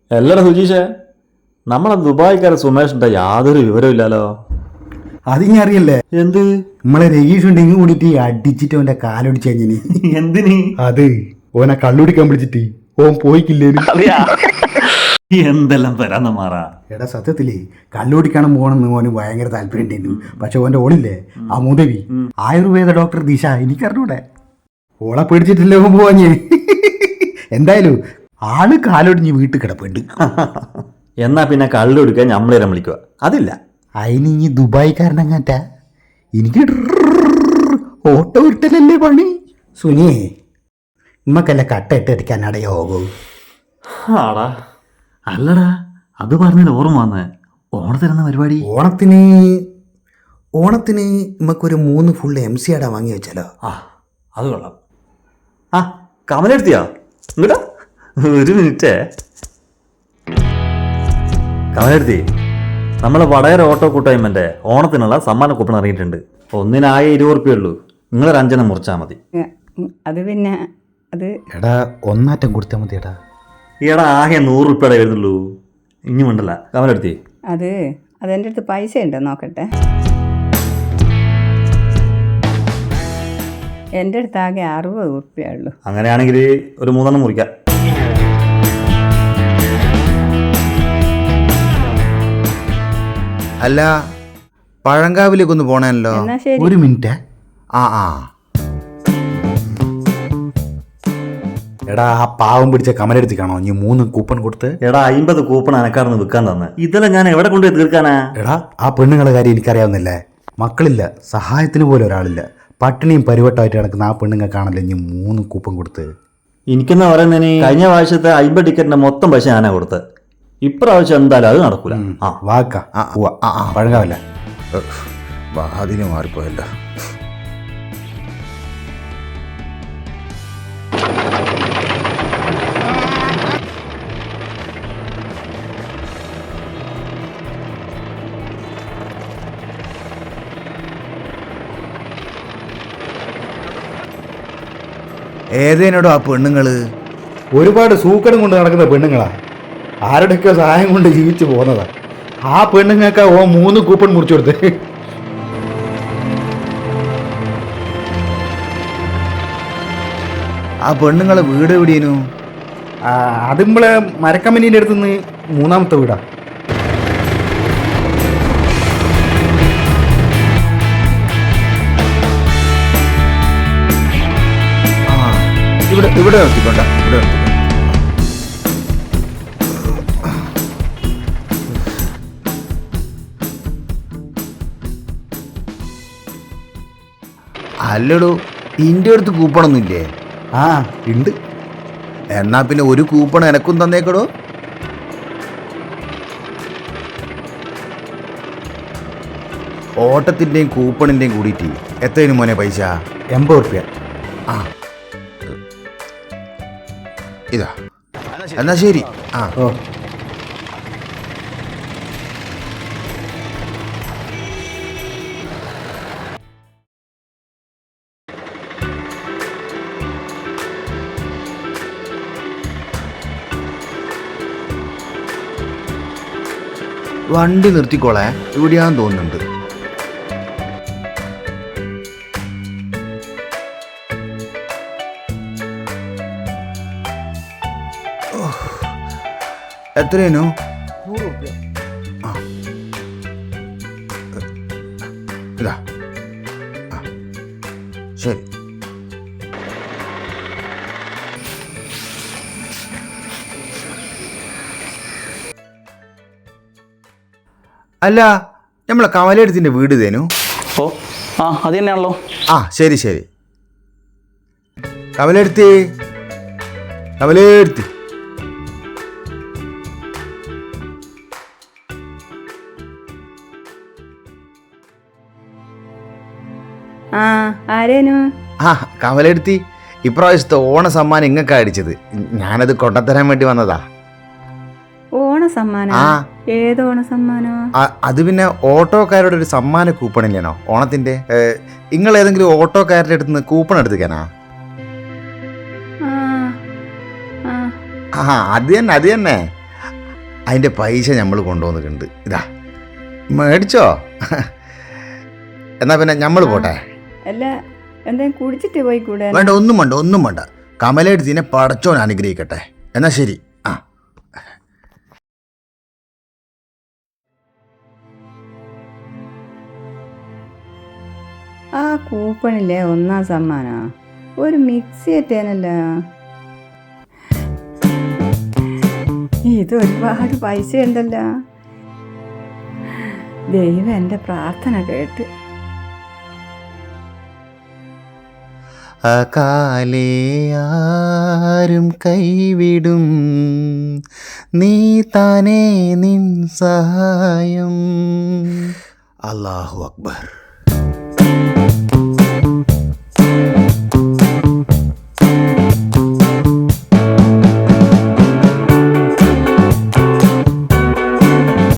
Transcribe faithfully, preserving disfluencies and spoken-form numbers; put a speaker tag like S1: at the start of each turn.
S1: അല്ലടാ സുജീഷേ, നമ്മളെ ദുബായിക്കാരെ സുമേഷിന്റെ യാതൊരു വിവരമില്ലല്ലോ.
S2: അതിങ്ങ അറിയല്ലേ?
S1: എന്ത്?
S2: നമ്മളെ രഗീഷ് ഉണ്ടെങ്കിൽ കൂടിയിട്ട് അടിച്ചിട്ട് അവന്റെ കാലൊടിച്ച് കഴിഞ്ഞിനി.
S1: എന്തിന്?
S2: അത് ഓനെ കള്ളുടിക്കാൻ വിളിച്ചിട്ട് ഓൻ പോയിക്കില്ലേന്.
S1: എന്തെല്ലാം വരാന്ന മാറാ.
S2: എടാ സത്യത്തിലേ കള്ളുടിക്കണം പോകണമെന്ന് ഓന് ഭയങ്കര താല്പര്യം ഉണ്ടായിരുന്നു. പക്ഷെ ഓന്റെ ഓളില്ലേ ആ മുതവി ആയുർവേദ ഡോക്ടർ ദിശ എനിക്കറിഞ്ഞൂടെ. ഓളെ പേടിച്ചിട്ടില്ലേ ഓൻ പോവാഞ്ഞ്. എന്തായാലും ആള് കാലൊടിഞ്ഞ് വീട്ടിൽ കിടപ്പുണ്ട്.
S1: എന്നാ പിന്നെ കള്ളുടിക്കാൻ ഞമ്മളേരം വിളിക്കുക. അതില്ല.
S2: അതിന് ഇനി ദുബായിക്കാരനങ്ങാറ്റ എനിക്ക് ഓട്ടോ ഇട്ടലല്ലേ പണി. സുനിയേ നമ്മക്കല്ല കട്ട ഇട്ട് അടിക്കാൻ അടയോഗൂ.
S1: ആടാ അല്ലടാ, അത് പറഞ്ഞാൽ ഓർമ്മ വന്നേ. ഓണത്തിനെന്ന പരിപാടി?
S2: ഓണത്തിന് ഓണത്തിന് നമുക്കൊരു മൂന്ന് ഫുൾ എം സി ആടാ വാങ്ങി വെച്ചാലോ?
S1: ആ അത് കൊള്ളാം. ആ കമലെടുത്തിയാ? ഇങ്ങട്ടാ ഒരു മിനിറ്റേ. കമലെടുത്തി, നമ്മളെ വടകര ഓട്ടോ കൂട്ടായ്മൻ്റെ ഓണത്തിനുള്ള സമ്മാന കൂപ്പൺ ഇറങ്ങിയിട്ടുണ്ട്. ഒന്നിനായ ഇരുപത് റുപ്യ ഉള്ളൂ. നിങ്ങളൊരു അഞ്ചെണ്ണം മുറിച്ചാൽ മതി.
S3: അത് പിന്നെ അത്
S2: എടാ ഒന്നാറ്റം കൊടുത്താൽ മതി. എടാ
S1: ഈടാ ആകെ നൂറ് റുപ്യയുടെ വരുന്നുള്ളൂ. ഇനി വേണ്ടല്ല. കമലെടുത്തി,
S3: അത് അതെൻ്റെ അടുത്ത് പൈസ ഉണ്ട്, നോക്കട്ടെ. എൻ്റെ അടുത്ത് ആകെ അറുപത് ഉറുപ്പ്യ ഉള്ളൂ.
S1: അങ്ങനെയാണെങ്കിൽ ഒരു മൂന്നെണ്ണം മുറിക്കാം.
S4: അല്ല, പഴങ്കാവിലേക്കൊന്ന് പോണല്ലോ.
S3: എന്നാ ശരി.
S2: ഒരു മിനിറ്റ്.
S4: ആ ആ
S2: എടാ ആ പാവം പിടിച്ച കമലെടുത്ത് കാണോ നീ മൂന്ന് കൂപ്പൺ കൊടുത്ത്?
S1: എടാ അമ്പത് കൂപ്പൺ അനക്കാർന്ന് വിൽക്കാൻ തന്നെ. ഇതെല്ലാം ഞാൻ എവിടെ കൊണ്ടുപോയി തീർക്കാനാ?
S2: എടാ ആ പെണ്ണുങ്ങളെ കാര്യം എനിക്കറിയാവുന്നില്ലേ. മക്കളില്ല, സഹായത്തിന് പോലും ഒരാളില്ല, പട്ടിണിയും പരിവട്ടമായിട്ട് കിടക്കുന്ന ആ പെണ്ണുങ്ങൾക്കാണല്ലോ ഇനി മൂന്ന് കൂപ്പൺ കൊടുത്ത്.
S1: എനിക്കെന്നാ പറയുന്നതിന് കഴിഞ്ഞ പ്രാവശ്യത്തെ അമ്പത് ടിക്കറ്റിന്റെ മൊത്തം പൈസ ഞാനാ കൊടുത്തത്. ഇപ്രാവശ്യം എന്തായാലും അത് നടക്കൂല. ആ
S2: വാക്ക
S4: ആ ഉവ്വ, ആ ആ
S2: പഴങ്കാവല്ല.
S4: അതിന് മാറിപ്പോയല്ലോ. ഏതേനോടോ ആ പെണ്ണുങ്ങള്?
S2: ഒരുപാട് സൂക്കടം കൊണ്ട് നടക്കുന്ന പെണ്ണുങ്ങളാ, ആരുടെയൊക്കെ സഹായം കൊണ്ട് ജീവിച്ചു പോകുന്നതാ. ആ പെണ്ണുങ്ങൾക്ക് ഓ മൂന്ന് കൂപ്പൺ മുറിച്ചു കൊടുത്ത്.
S4: ആ പെണ്ണുങ്ങളെ വീട് എവിടെയേനു?
S2: അത് നമ്മളെ മരക്കമ്പനീൻ്റെ അടുത്തുനിന്ന് മൂന്നാമത്തെ വീടാ.
S4: ആ ഇവിടെ ഇവിടെ നിർത്തിക്കൊണ്ട ഇവിടെ നിർത്തിക്കൊണ്ട. അല്ലടോ, ഇൻ്റെ അടുത്ത് കൂപ്പണൊന്നും ഇല്ലേ?
S2: ആ ഉണ്ട്.
S4: എന്നാ പിന്നെ ഒരു കൂപ്പൺ എനക്കും തന്നേക്കടോ. ഓട്ടത്തിൻ്റെയും കൂപ്പണിൻ്റെയും കൂടിയിട്ട് എത്രയും മോനെ പൈസ?
S2: എൺപത് റുപ്യ.
S4: ആ ഇതാ, എന്നാ ശരി. ആ
S2: ഓ
S4: വണ്ടി നിർത്തിക്കോളെ, ഇവിടെയാന്ന് തോന്നുന്നുണ്ട്. എത്രയേനു? ആ ഇതാ. ആ ശരി. അല്ല, നമ്മളെ കമലെടുത്തിൻ്റെ വീട് തേനു?
S5: ഓ ആ അത് തന്നെയാണല്ലോ.
S4: ആ ശരി ശരി. കമലെടുത്തി കമലെടുത്തി
S3: ആ ആരേനു?
S4: ആ കമലെടുത്തി, ഇപ്രാവശ്യത്തെ ഓണ സമ്മാനം ഇങ്ങക്കാ അടിച്ചത്. ഞാനത് കൊണ്ടുത്തരാൻ വേണ്ടി വന്നതാ.
S3: ഓണ സമ്മാനം?
S4: ആ
S3: ഏത് ഓണ സമ്മാനോ?
S4: അത് പിന്നെ ഓട്ടോക്കാരുടെ ഒരു സമ്മാന കൂപ്പൺ ഇല്ലേനോ ഓണത്തിന്റെ? നിങ്ങൾ ഏതെങ്കിലും ഓട്ടോക്കാരുടെ അടുത്ത് നിന്ന് കൂപ്പൺ എടുത്തിക്കാനാ?
S3: ആ
S4: ആ അത് തന്നെ അത് തന്നെ അതിൻ്റെ പൈസ നമ്മൾ കൊണ്ടുവന്നിട്ടുണ്ട്. ഇതാ മേടിച്ചോ? എന്നാൽ പിന്നെ നമ്മൾ പോട്ടെ.
S3: അല്ല എന്തെങ്കിലും കുടിച്ചിട്ട് പോയി കൂടെ?
S4: വേണ്ട, ഒന്നും വേണ്ട, ഒന്നും വേണ്ട. കമലെടുത്തിനെ പടച്ചോൻ അനുഗ്രഹിക്കട്ടെ. എന്നാൽ ശരി. ആ
S3: ആ കൂപ്പണില്ലേ ഒന്നാം സമ്മാനോ? ഒരു മിക്സി എത്തേനല്ല. ഇത് ഒരുപാട് പൈസ ഉണ്ടല്ലോ. ദൈവം എൻ്റെ പ്രാർത്ഥന കേട്ട്.
S4: അകാലേ ആരും കൈവിടും, നീ താനേ നിൻ സഹായം. അല്ലാഹു അക്ബർ.